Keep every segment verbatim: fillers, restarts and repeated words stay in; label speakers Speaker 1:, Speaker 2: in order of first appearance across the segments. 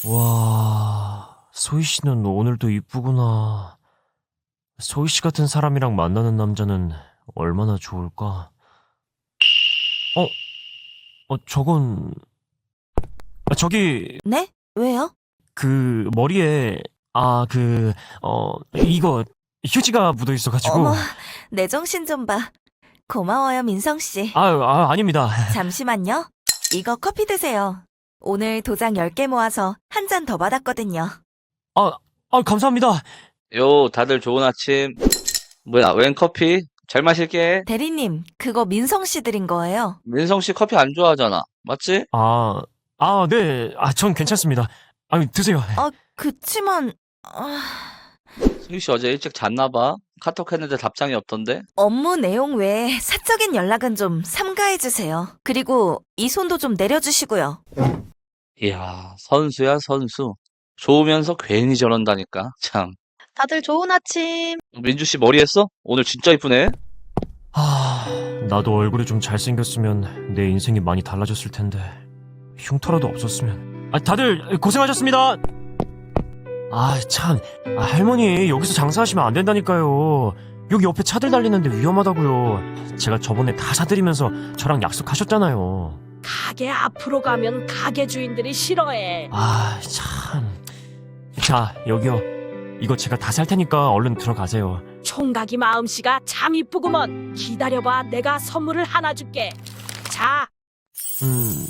Speaker 1: 와, 소희 씨는 오늘도 이쁘구나. 소희 씨 같은 사람이랑 만나는 남자는 얼마나 좋을까? 어, 어, 저건, 아, 저기,
Speaker 2: 네? 왜요?
Speaker 1: 그, 머리에, 아, 그, 어, 이거, 휴지가 묻어 있어가지고.
Speaker 2: 어머, 내 정신 좀 봐. 고마워요, 민성씨.
Speaker 1: 아, 아, 아닙니다.
Speaker 2: 잠시만요. 이거 커피 드세요. 오늘 도장 열 개 모아서 한 잔 더 받았거든요.
Speaker 1: 아, 아, 감사합니다.
Speaker 3: 요, 다들 좋은 아침. 뭐야, 웬 커피? 잘 마실게.
Speaker 2: 대리님, 그거 민성씨 드린 거예요.
Speaker 3: 민성 씨 커피 안 좋아하잖아. 맞지?
Speaker 1: 아, 아, 네. 아, 전 괜찮습니다. 아, 드세요.
Speaker 2: 아, 그치만... 아...
Speaker 3: 승희 씨 어제 일찍 잤나 봐. 카톡 했는데 답장이 없던데?
Speaker 2: 업무 내용 외에 사적인 연락은 좀 삼가해주세요. 그리고 이 손도 좀 내려주시고요.
Speaker 3: 이야, 선수야, 선수. 좋으면서 괜히 저런다니까. 참.
Speaker 4: 다들 좋은 아침.
Speaker 3: 민주 씨 머리 했어? 오늘 진짜 이쁘네.
Speaker 1: 아, 나도 얼굴이 좀 잘생겼으면 내 인생이 많이 달라졌을 텐데. 흉터라도 없었으면. 아, 다들 고생하셨습니다. 아, 참. 아, 할머니, 여기서 장사하시면 안 된다니까요. 여기 옆에 차들 달리는데 위험하다고요. 제가 저번에 다 사드리면서 저랑 약속하셨잖아요.
Speaker 5: 가게 앞으로 가면 가게 주인들이 싫어해.
Speaker 1: 아, 참. 자, 여기요. 이거 제가 다 살 테니까 얼른 들어가세요.
Speaker 5: 총각이 마음씨가 참 이쁘구먼. 기다려봐, 내가 선물을 하나 줄게. 자,
Speaker 1: 음,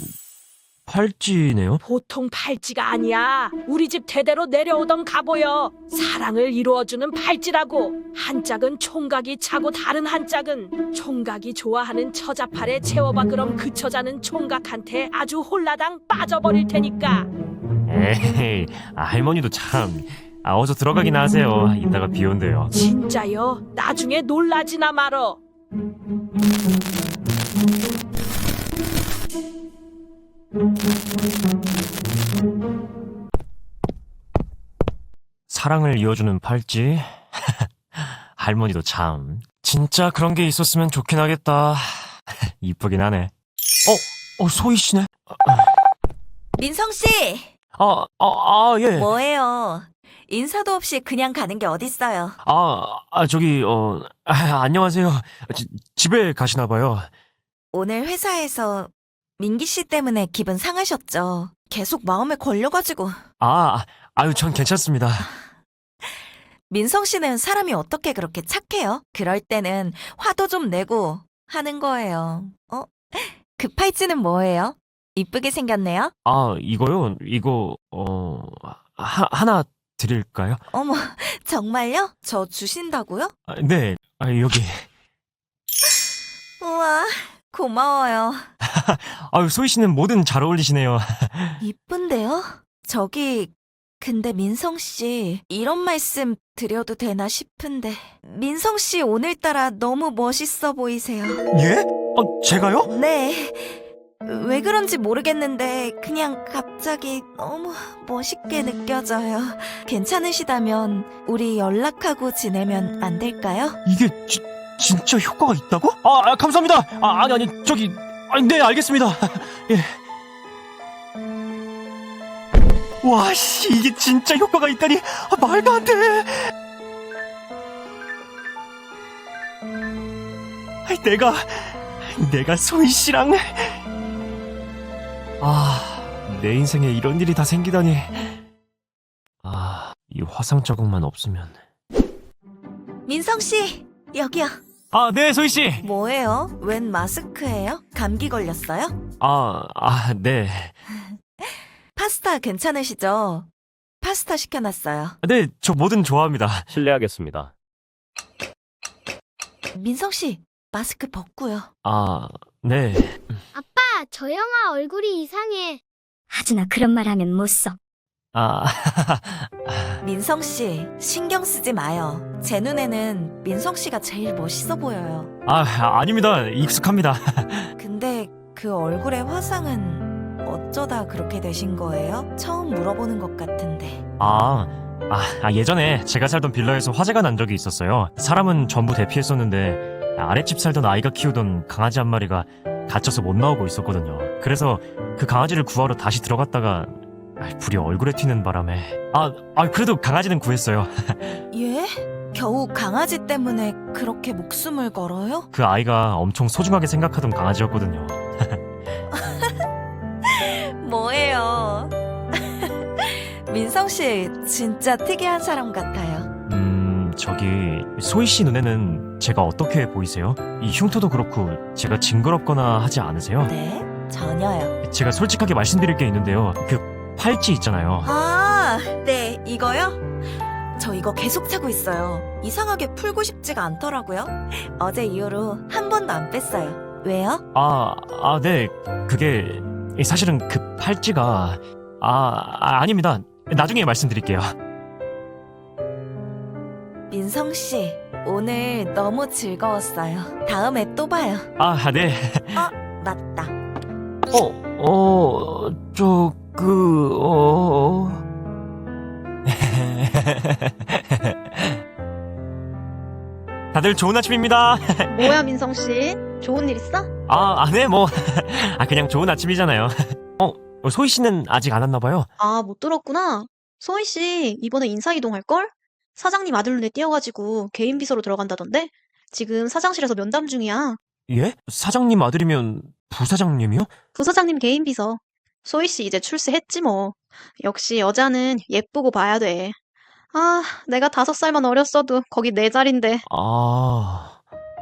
Speaker 1: 팔찌네요?
Speaker 5: 보통 팔찌가 아니야. 우리 집 대대로 내려오던 갑오여. 사랑을 이루어주는 팔찌라고. 한 짝은 총각이 차고 다른 한 짝은 총각이 좋아하는 처자팔에 채워봐. 그럼 그 처자는 총각한테 아주 홀라당 빠져버릴 테니까.
Speaker 1: 에이, 아, 할머니도 참. 아, 어서 들어가기나 하세요. 이따가 비 온대요.
Speaker 5: 진짜요? 나중에 놀라지나 말어.
Speaker 1: 사랑을 이어주는 팔찌? 할머니도 참. 진짜 그런 게 있었으면 좋긴 하겠다. 이쁘긴 하네. 어, 어, 소희 씨네?
Speaker 2: 민성씨!
Speaker 1: 아, 아, 아, 예.
Speaker 2: 뭐예요? 인사도 없이 그냥 가는 게 어딨어요.
Speaker 1: 아, 아, 저기, 어, 아, 안녕하세요. 지, 집에 가시나 봐요.
Speaker 2: 오늘 회사에서 민기 씨 때문에 기분 상하셨죠? 계속 마음에 걸려가지고.
Speaker 1: 아, 아유, 전 괜찮습니다.
Speaker 2: 민성 씨는 사람이 어떻게 그렇게 착해요? 그럴 때는 화도 좀 내고 하는 거예요. 어? 그 팔찌는 뭐예요? 이쁘게 생겼네요?
Speaker 1: 아, 이거요? 이거, 어, 하, 하나 드릴까요?
Speaker 2: 어머, 정말요? 저 주신다고요?
Speaker 1: 아, 네, 아, 여기.
Speaker 2: 우와, 고마워요.
Speaker 1: 아유, 소희 씨는 뭐든 잘 어울리시네요.
Speaker 2: 이쁜데요? 저기, 근데 민성 씨, 이런 말씀 드려도 되나 싶은데. 민성 씨 오늘따라 너무 멋있어 보이세요.
Speaker 1: 예? 아, 제가요?
Speaker 2: 네. 왜 그런지 모르겠는데 그냥 갑자기 너무 멋있게 느껴져요. 괜찮으시다면 우리 연락하고 지내면 안 될까요?
Speaker 1: 이게 지, 진짜 효과가 있다고? 아, 아, 감사합니다. 아, 아니, 아니, 저기, 아니, 네, 알겠습니다. 예. 와, 씨, 이게 진짜 효과가 있다니. 아, 말도 안 돼. 아이, 내가, 내가 소희 씨랑. 아, 내 인생에 이런 일이 다 생기다니. 아, 이 화상 자국만 없으면.
Speaker 2: 민성 씨, 여기요.
Speaker 1: 아, 네, 소희 씨.
Speaker 2: 뭐예요? 웬 마스크예요? 감기 걸렸어요?
Speaker 1: 아, 아, 네.
Speaker 2: 파스타 괜찮으시죠? 파스타 시켜놨어요.
Speaker 1: 네, 저 뭐든 좋아합니다.
Speaker 6: 실례하겠습니다.
Speaker 2: 민성 씨, 마스크 벗고요.
Speaker 1: 아, 네.
Speaker 4: 아빠, 저 영화 얼굴이 이상해. 하준아, 그런 말 하면 못 써.
Speaker 1: 아,
Speaker 2: 민성 씨, 신경 쓰지 마요. 제 눈에는 민성 씨가 제일 멋있어 보여요.
Speaker 1: 아, 아닙니다. 익숙합니다.
Speaker 2: 근데 그 얼굴의 화상은 어쩌다 그렇게 되신 거예요? 처음 물어보는 것 같은데.
Speaker 1: 아, 아, 아, 예전에 제가 살던 빌라에서 화재가 난 적이 있었어요. 사람은 전부 대피했었는데 아랫집 살던 아이가 키우던 강아지 한 마리가 갇혀서 못 나오고 있었거든요. 그래서 그 강아지를 구하러 다시 들어갔다가 아, 불이 얼굴에 튀는 바람에 아, 아 그래도 강아지는 구했어요.
Speaker 2: 예? 겨우 강아지 때문에 그렇게 목숨을 걸어요?
Speaker 1: 그 아이가 엄청 소중하게 생각하던 강아지였거든요.
Speaker 2: 뭐예요? 민성 씨 진짜 특이한 사람 같아요.
Speaker 1: 음, 저기 소희 씨 눈에는 제가 어떻게 보이세요? 이 흉터도 그렇고 제가 징그럽거나 하지 않으세요?
Speaker 2: 네? 전혀요.
Speaker 1: 제가 솔직하게 말씀드릴 게 있는데요. 그 팔찌 있잖아요.
Speaker 2: 아, 네, 이거요? 저 이거 계속 차고 있어요. 이상하게 풀고 싶지가 않더라고요. 어제 이후로 한 번도 안 뺐어요. 왜요?
Speaker 1: 아, 아, 네. 그게 사실은 그 팔찌가 아, 아 아닙니다. 나중에 말씀드릴게요.
Speaker 2: 민성 씨, 오늘 너무 즐거웠어요. 다음에 또 봐요.
Speaker 1: 아, 네.
Speaker 2: 맞다.
Speaker 1: 어, 어, 저, 그, 어. 다들 좋은 아침입니다.
Speaker 6: 뭐야, 민성 씨? 좋은 일 있어?
Speaker 1: 아, 아, 네, 뭐. 아, 그냥 좋은 아침이잖아요. 어, 소희 씨는 아직 안 왔나 봐요?
Speaker 6: 아, 못 들었구나. 소희 씨, 이번에 인사이동 할걸? 사장님 아들 눈에 띄어가지고 개인 비서로 들어간다던데? 지금 사장실에서 면담 중이야.
Speaker 1: 예? 사장님 아들이면 부사장님이요?
Speaker 6: 부사장님 개인 비서. 소희 씨 이제 출세했지 뭐. 역시 여자는 예쁘고 봐야 돼. 아, 내가 다섯 살만 어렸어도 거기 내 자리인데.
Speaker 1: 아.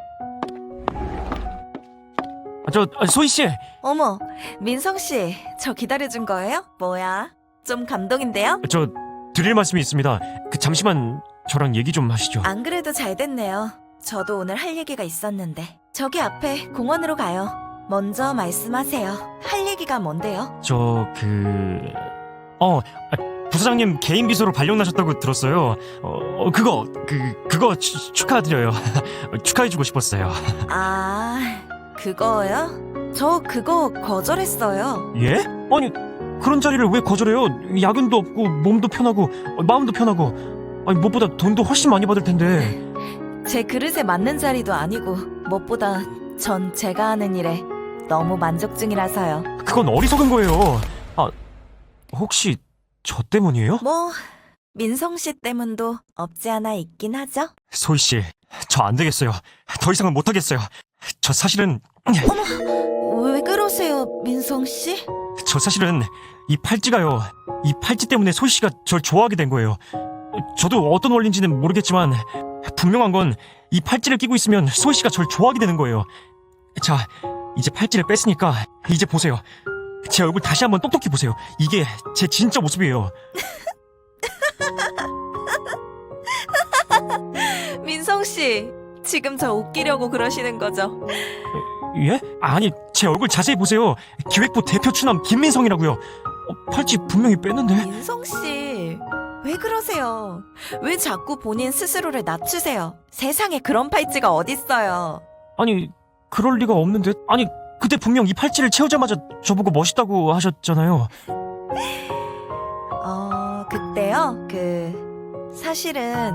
Speaker 1: 아, 저, 아, 소희 씨!
Speaker 2: 어머, 민성 씨, 저 기다려준 거예요? 뭐야? 좀 감동인데요?
Speaker 1: 저, 드릴 말씀이 있습니다. 그, 잠시만 저랑 얘기 좀 하시죠.
Speaker 2: 안 그래도 잘 됐네요. 저도 오늘 할 얘기가 있었는데. 저기 앞에 공원으로 가요. 먼저 말씀하세요. 할 얘기가 뭔데요?
Speaker 1: 저, 그, 어, 아, 부사장님 개인 비서로 발령나셨다고 들었어요. 어, 어, 그거, 그, 그거 추, 축하드려요. 축하해주고 싶었어요.
Speaker 2: 아, 그거요? 저 그거 거절했어요.
Speaker 1: 예? 아니, 그런 자리를 왜 거절해요? 야근도 없고, 몸도 편하고, 어, 마음도 편하고, 아니, 무엇보다 돈도 훨씬 많이 받을 텐데.
Speaker 2: 제 그릇에 맞는 자리도 아니고 무엇보다 전 제가 하는 일에 너무 만족 중이라서요.
Speaker 1: 그건 어리석은 거예요. 아, 혹시 저 때문이에요?
Speaker 2: 뭐 민성 씨 때문도 없지 않아 있긴 하죠.
Speaker 1: 소희 씨, 저 안 되겠어요. 더 이상은 못 하겠어요. 저 사실은
Speaker 2: 왜 그러세요, 민성 씨?
Speaker 1: 저 사실은 이 팔찌가요. 이 팔찌 때문에 소희 씨가 절 좋아하게 된 거예요. 저도 어떤 원리인지는 모르겠지만 분명한 건 이 팔찌를 끼고 있으면 소희 씨가 절 좋아하게 되는 거예요. 자, 이제 팔찌를 뺐으니까 이제 보세요. 제 얼굴 다시 한번 똑똑히 보세요. 이게 제 진짜 모습이에요.
Speaker 2: 민성 씨, 지금 저 웃기려고 그러시는 거죠?
Speaker 1: 예? 아니, 제 얼굴 자세히 보세요. 기획부 대표 추남 김민성이라고요. 어, 팔찌 분명히 뺐는데.
Speaker 2: 민성 씨, 왜 그러세요? 왜 자꾸 본인 스스로를 낮추세요? 세상에 그런 팔찌가 어딨어요?
Speaker 1: 아니, 그럴 리가 없는데. 아니, 그때 분명 이 팔찌를 채우자마자 저보고 멋있다고 하셨잖아요.
Speaker 2: 어, 그때요? 그, 사실은,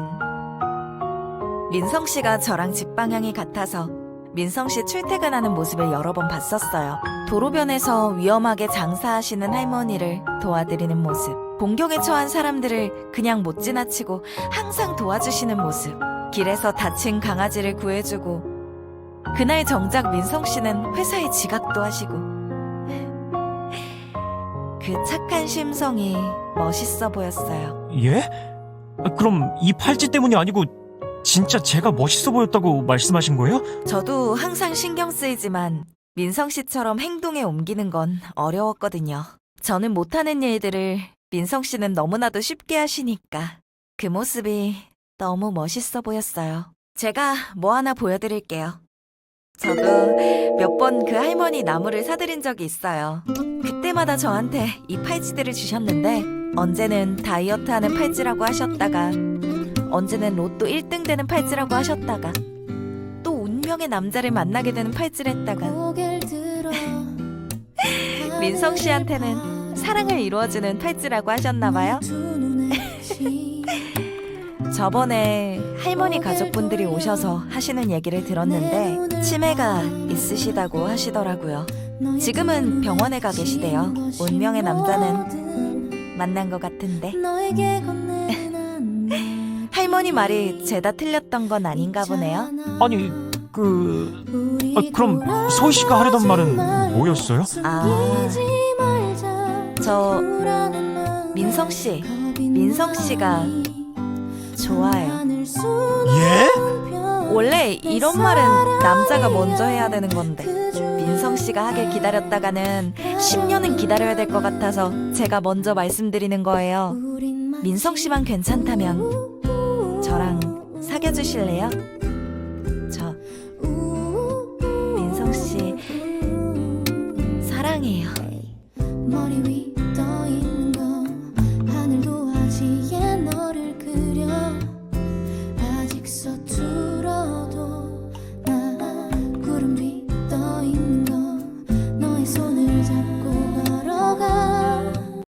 Speaker 2: 민성 씨가 저랑 집 방향이 같아서 민성 씨 출퇴근하는 모습을 여러 번 봤었어요. 도로변에서 위험하게 장사하시는 할머니를 도와드리는 모습. 공격에 처한 사람들을 그냥 못 지나치고 항상 도와주시는 모습. 길에서 다친 강아지를 구해주고. 그날 정작 민성 씨는 회사에 지각도 하시고. 그 착한 심성이 멋있어 보였어요.
Speaker 1: 예? 아, 그럼 이 팔찌 때문이 아니고 진짜 제가 멋있어 보였다고 말씀하신 거예요?
Speaker 2: 저도 항상 신경 쓰이지만 민성 씨처럼 행동에 옮기는 건 어려웠거든요. 저는 못하는 일들을 민성 씨는 너무나도 쉽게 하시니까 그 모습이 너무 멋있어 보였어요. 제가 뭐 하나 보여드릴게요. 저도 몇 번 그 할머니 나무를 사드린 적이 있어요. 그때마다 저한테 이 팔찌들을 주셨는데 언제는 다이어트하는 팔찌라고 하셨다가 언제는 로또 일 등 되는 팔찌라고 하셨다가 또 운명의 남자를 만나게 되는 팔찌를 했다가 민성 씨한테는 사랑을 이루어주는 팔찌라고 하셨나봐요. 저번에 할머니 가족분들이 오셔서 하시는 얘기를 들었는데 치매가 있으시다고 하시더라고요. 지금은 병원에 가 계시대요. 운명의 남자는 만난 것 같은데. 할머니 말이 죄다 틀렸던 건 아닌가 보네요.
Speaker 1: 아니, 그... 아, 그럼 소희 씨가 하려던 말은 뭐였어요?
Speaker 2: 아, 저 민성 씨, 민성 씨가 좋아요.
Speaker 1: 예?
Speaker 2: 원래 이런 말은 남자가 먼저 해야 되는 건데 민성 씨가 하길 기다렸다가는 십 년은 기다려야 될 것 같아서 제가 먼저 말씀드리는 거예요. 민성 씨만 괜찮다면 저랑 사귀어 주실래요? 저 민성 씨 사랑해요.
Speaker 7: 머리 위